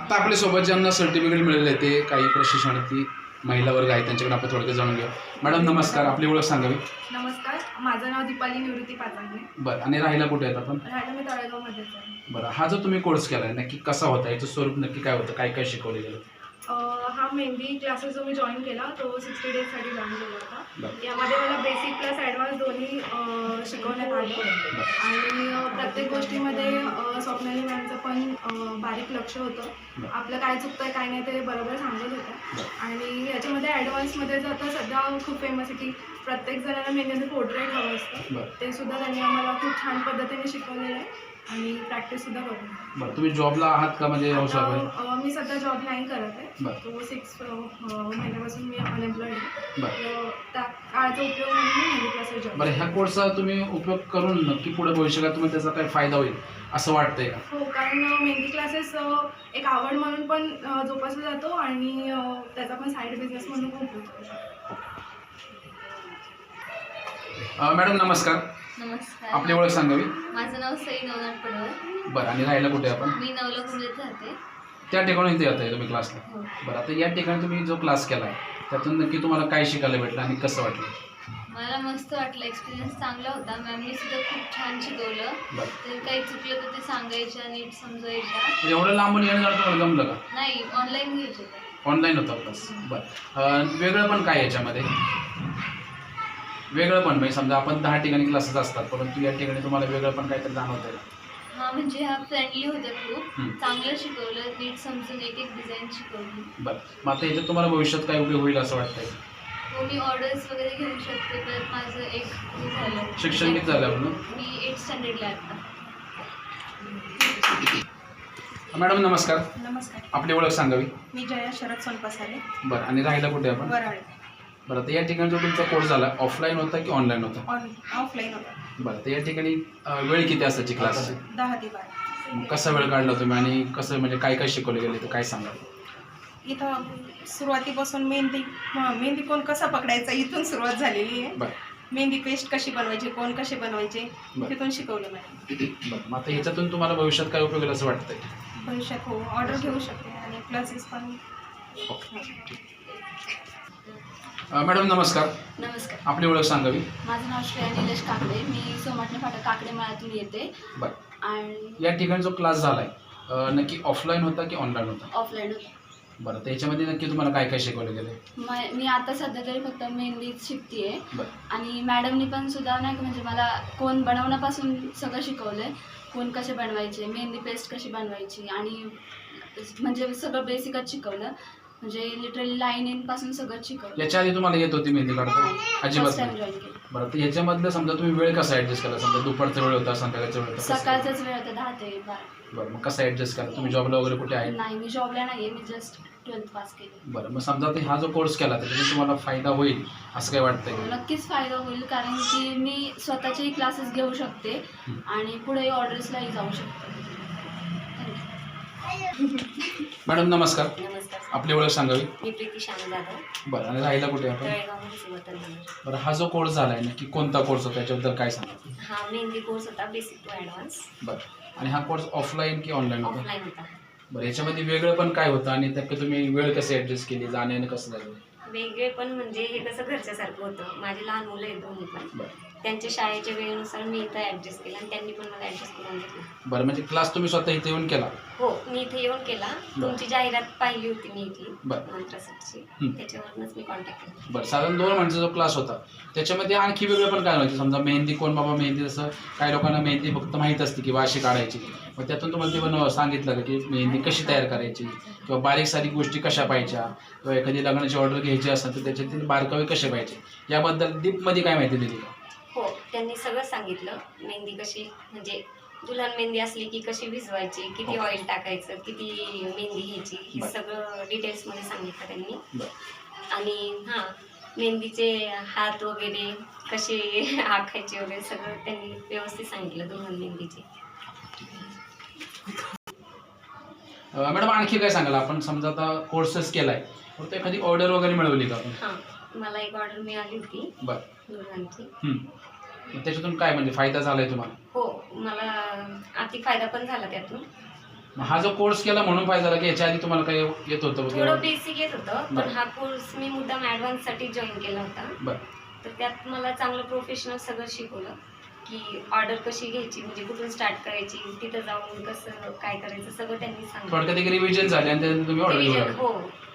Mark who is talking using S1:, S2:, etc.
S1: आत्ता आपल्यासोबत ज्यांना सर्टिफिकेट मिळाले ते काही प्रशिक्षणार्थी महिला वर्ग आहेत, त्यांच्याकडे आपण थोडक्यात जाणून घेऊ. मॅडम नमस्कार, आपली ओळख सांगावी.
S2: नमस्कार, माझं नाव दीपाली निवृत्ती पाचांगे.
S1: बरं, आणि राहायला कुठे आहेत आपण?
S2: राहायला मी तळेगावमध्येच आहे.
S1: बरं, हा जो तुम्ही कोर्स केला आहे नक्की कसा होता, याचं स्वरूप नक्की काय होतं, काय काय शिकवलं गेलं?
S2: हा मेहंदी क्लासेस जो मी जॉईन केला तो 60 डेजसाठी जॉईन केला होता.
S1: बरं.
S2: यामध्ये मला बेसिक प्लस ॲडव्हान्स दोन्ही शिकवण्यात आलं आणि प्रत्येक गोष्टीमध्ये स्वप्नाली मॅमचं पण बारीक लक्ष होतं. आपलं काय चुकतं काय नाही ते बरोबर सांगत होतं. आणि याच्यामध्ये ॲडव्हान्समध्ये जर आता सध्या खूप फेमस आहे की प्रत्येक जणांना मेहंदीचं पोर्ट्रेट हवं असतं, ते सुद्धा त्यांनी आम्हाला खूप छान पद्धतीने शिकवलेलं आहे आणि प्रॅक्टिससुद्धा करून.
S1: बरं, तुम्ही जॉबला आहात का? म्हणजे
S2: मी सध्या जॉब नाही करत आहे. तो 6 महिन्यापासून मी अनएम्प्लॉईड आहे. त्या काळाचा उपयोग म्हणून मी मेहंदी क्लासेस जॉब.
S1: बरं, ह्या कोर्सचा तुम्ही उपयोग करून नक्की पुढे भविष्यात तुम्हाला त्याचा काय फायदा होईल असं वाटतंय का?
S2: हो, कारण मेहंदी क्लासेस एक आवड म्हणून पण जोपासला जातो आणि त्याचा पण साईड बिझनेस म्हणून खूप उपयोग होतो.
S1: मॅडम नमस्कार.
S3: नमस्कार,
S1: आपली ओळख सांगावी.
S3: माझं नाव सई नवनाथ पडवळ.
S1: बरं, आणि राहायला कुठे आपण?
S3: मी नवलखुंदेत राहते.
S1: त्या ठिकाणी इथे येत आहे तुम्ही क्लासला?
S3: हो.
S1: बरं, आता या ठिकाणी तुम्ही जो क्लास केला आहे त्यातून नक्की तुम्हाला काय शिकायला भेटलं आणि कसं वाटलं?
S3: मला मस्त वाटलं, एक्सपिरियन्स चांगला होता. मॅमनी सुद्धा खूप छान शिकवलं.
S1: बरं,
S3: तर काही चुकलं तर ते सांगायच्या, नीट समजायच्या.
S1: एवढं लांबून येणं जाणं तुम्हाला जमलं का?
S3: नाही, ऑनलाईन घ्यायचे ते.
S1: ऑनलाईन होता क्लास. बरं, वेगळं पण काय याच्यामध्ये? वेगळं पण म्हणजे समजा आपण 10 ठिकाणी क्लासेस असतात, परंतु या ठिकाणी तुम्हाला वेगळं पण काहीतरी जाणवतं का?
S3: हा, म्हणजे ह्या फ्रेंडली होत्या, खूप चांगलं शिकवलं, नीट समजून एक एक डिझाईन शिकवली.
S1: बरं, मग आता याच्यात तुम्हाला भविष्यात काय उपयोग होईल असं वाटतंय?
S3: हो, मी ऑर्डर्स वगैरे घेऊ शकते. तर माझं एक हे झालं,
S1: शिक्षण किती झालं म्हणून?
S3: मी 8th स्टँडर्डला आता.
S1: मॅडम नमस्कार.
S2: नमस्कार,
S1: आपली ओळख सांगावी.
S2: मी जया शरद सोनपसाले,
S1: बरं, आणि राहायला कुठे आपण?
S2: वराळे.
S1: बरं, तर या ठिकाणी जो तुमचा कोर्स झाला ऑफलाईन होता की ऑनलाईन होता?
S2: ऑफलाईन होता.
S1: बरं, तर या ठिकाणी वेळ किती असायची क्लासची?
S2: 10 ते 12.
S1: कसा वेळ काढला तुम्ही आणि कसं म्हणजे काय काय शिकवले गेले तर काय सांगा?
S2: इथं सुरुवातीपासून मेहंदी कोण कसा पकडायचा इथून सुरुवात झालेली आहे.
S1: बरं.
S2: मेहंदी पेस्ट कशी बनवायची, कोण कसे बनवायचे
S1: बरं.
S2: तिथून शिकवलं मला.
S1: बरं, मग आता ह्याच्यातून तुम्हाला भविष्यात काय उपयोग होईल असं वाटतंय?
S2: भविष्यात हो, ऑर्डर घेऊ शकते आणि क्लासेस पण.
S1: मॅडम नमस्कार.
S3: नमस्कार,
S1: आपली ओळख सांगावी.
S3: माझं नाव श्रेया निलेश काकडे. मी सोमाटणे फाटा काकडे माळ्यातून येते.
S1: बरं,
S3: आणि
S1: या ठिकाणी जो क्लास झाला आहे नक्की ऑफलाईन होता की ऑनलाईन होता?
S3: ऑफलाईन होता.
S1: बरं, तर याच्यामध्ये नक्की तुम्हाला काय काय शिकवलं गेलं?
S3: मी आता सध्या तरी फक्त मेहंदीच शिकते.
S1: बरं.
S3: आणि मॅडमनी पण सुद्धा नाही का, म्हणजे मला कोण बनवण्यापासून सगळं शिकवलं आहे. कोण कसे बनवायचे, मेहंदी पेस्ट कशी बनवायची, आणि म्हणजे सगळं बेसिकच शिकवलं. म्हणजे लिटरली लाईनिंगपासून सगळं शिकवलं.
S1: याच्या आधी तुम्हाला येत होती मेहंदी काढता? अजिबात
S3: फर्स्ट टाइम
S1: नाही.
S3: जॉईन केलं.
S1: बरं, तर याच्यामधलं समजा तुम्ही वेळ कसा ॲडजस्ट केला? समजा दुपारचा वेळ होता, संध्याकाळचा वेळ होता, कसं?
S3: सकाळचाच वेळ होता 10 ते 12.
S1: बरं, मग कसं ॲडजस्ट करा? तुम्ही जॉबला वगैरे कुठे आहे?
S3: नाही, मी जॉबला नाही आहे, मी जस्ट 12th पास केली.
S1: बरं, मग समजा आता हा जो कोर्स केला त्याच्यातून तुम्हाला फायदा होईल असं काय वाटतंय का?
S3: नक्कीच फायदा होईल, कारण की मी स्वतःचेही क्लासेस घेऊ शकते आणि पुढेही ऑर्डर्सलाही जाऊ शकते.
S1: मॅडम नमस्कार.
S4: नमस्कार,
S1: आपली ओळख सांगावी.
S4: मी प्रीती श्याम जाधव,
S1: बरं, आणि राहायला कुठे आपण?
S4: तळेगावमध्ये सुवतनगर.
S1: बरं, हा जो कोर्स झाला आहे नक्की कोणता कोर्स होता त्याच्याबद्दल काय सांगा?
S4: हा मेहंदी कोर्स होता, बेसिक टू ॲडव्हान्स.
S1: बरं, आणि हा कोर्स ऑफलाईन की ऑनलाईन होता?
S4: ऑफलाईन होता.
S1: बरं, याच्यामध्ये वेगळं पण काय होतं आणि त्यात तुम्ही वेळ कसे ॲडजस्ट केली, जाण्याने कसं झालं?
S4: वेगळे पण म्हणजे हे कसं घरच्यासारखं होतं. माझे लहान मुलं आहेत दोन्ही पण,
S1: बरं.
S4: त्यांच्या शाळेच्या वेळेनुसार मी इथं ॲडजस्ट केलं आणि त्यांनी पण मला ॲडजस्ट करून घेतलं.
S1: बरं, म्हणजे क्लास तुम्ही स्वतः इथे येऊन केला?
S4: हो, मी इथे येऊन केला. तुमची जाहिरात पाहिली होती मी इथली
S1: बरं.
S4: मंत्रासाठी, त्याच्यावरूनच मी कॉन्टॅक्ट केला.
S1: बरं, साधारण 2 महिन्याचा जो क्लास होता त्याच्यामध्ये आणखी वेगळं पण काय व्हायचं? समजा मेहंदी कोण बाबा मेहंदी, जसं काही लोकांना मेहंदी फक्त माहीत असते की अशी काढायची, मग त्यातून तुम्हाला ते पण सांगितलं का की मेहंदी कशी तयार करायची किंवा बारीक सारीक गोष्टी कशा पाहिजे किंवा एखादी लग्नाची ऑर्डर घ्यायची असेल तर त्याच्यातील बारकावे कसे पाहिजे याबद्दल डीपमध्ये काय माहिती दिली का?
S4: हो, त्यांनी सगळं सांगितलं. मेहंदी कशी म्हणजे दुल्हन मेहंदी असली की कशी भिजवायची, किती ऑइल टाकायचं, किती मेहंदी घ्यायची, हे सगळं डिटेल्समध्ये सांगितलं त्यांनी. आणि हां, मेहंदीचे हात वगैरे कसे आखायचे वगैरे सगळं त्यांनी व्यवस्थित सांगितलं दुल्हन मेहंदीचे.
S1: मॅडम आणखी काय सांगाल? आपण समजा आता कोर्सेस केलाय तर एखादी ऑर्डर वगैरे मिळवली का आपण?
S4: हां, मला एक ऑर्डर मिळाली होती
S1: बरं.
S4: दुल्हनची.
S1: त्याच्यातून काय म्हणजे फायदा झालाय तुम्हाला?
S4: हो, मला अति फायदा पण झाला त्यातून.
S1: मग हा जो कोर्स केला म्हणून फायदा झाला की याच्या आधी तुम्हाला काही येत होतं
S4: थोडं
S1: वगैरे?
S4: बेसिक येत होतं, पण
S1: बरं.
S4: हा कोर्स मी मुद्दाम ऍडव्हान्स साठी जॉईन केला होता.
S1: बरं.
S4: तर त्यात मला चांगलं प्रोफेशनल सगळं शिकवलं की ऑर्डर कशी घ्यायची, म्हणजे कुठून स्टार्ट करायची, तिथं जाऊन कसं काय करायचं, सगळं त्यांनी सांगितलं.
S1: थोडक्यात एक रिव्हिजन झाली आणि त्यानंतर तुम्ही ऑर्डर घेऊ
S4: Revision,
S1: लागले.
S4: हो